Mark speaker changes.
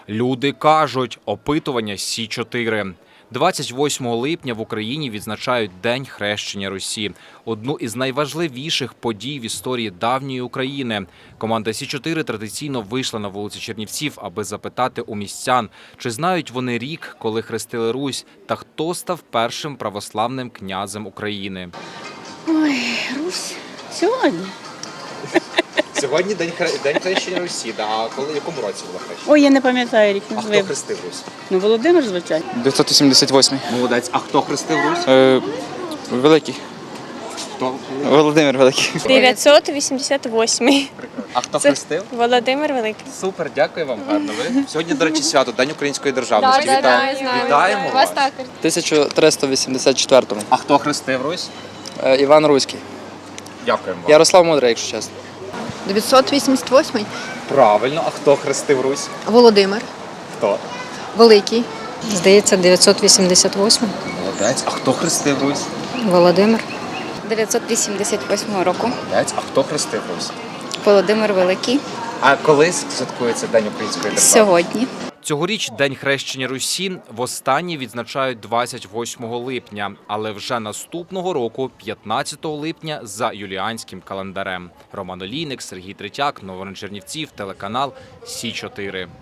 Speaker 1: Люди кажуть, опитування Сі-4. 28 липня в Україні відзначають День хрещення Русі – одну із найважливіших подій в історії давньої України. Команда Сі-4 традиційно вийшла на вулиці Чернівців, аби запитати у містян, чи знають вони рік, коли хрестили Русь, та хто став першим православним князем України.
Speaker 2: Ой, Русь, сьогодні.
Speaker 1: Сьогодні День хрещення Русі, а в якому році було хрещення?
Speaker 2: Ой, я не пам'ятаю рік.
Speaker 1: А хто хрестив Русь?
Speaker 2: Ну, Володимир, звичайно.
Speaker 3: 988.
Speaker 1: Молодець. А хто хрестив Русь?
Speaker 3: Великий.
Speaker 1: Хто?
Speaker 3: Володимир Великий.
Speaker 4: 988.
Speaker 1: А хто хрестив?
Speaker 4: Володимир Великий.
Speaker 1: Супер, дякую вам, гарно. Ви сьогодні, до речі, свято, День української державності. Вітаємо вас.
Speaker 3: 1384.
Speaker 1: А хто хрестив Русь?
Speaker 3: Іван Руський.
Speaker 1: Дякуємо вам.
Speaker 3: Ярослав Мудрий, якщо чесно.
Speaker 5: 988.
Speaker 1: Правильно, а хто хрестив Русь?
Speaker 5: Володимир.
Speaker 1: Хто?
Speaker 5: Великий.
Speaker 6: Здається, 988.
Speaker 1: Молодець. А хто хрестив Русь?
Speaker 6: Володимир.
Speaker 7: 988 року.
Speaker 1: Молодець. А хто хрестив Русь?
Speaker 7: Володимир Великий.
Speaker 1: А коли святкується День української держави?
Speaker 7: Сьогодні.
Speaker 1: Цьогоріч День хрещення Русі востаннє відзначають 28 липня, але вже наступного року, 15 липня, за юліанським календарем. Роман Олійник, Сергій Третяк, Новини Чернівців, телеканал Сі-4.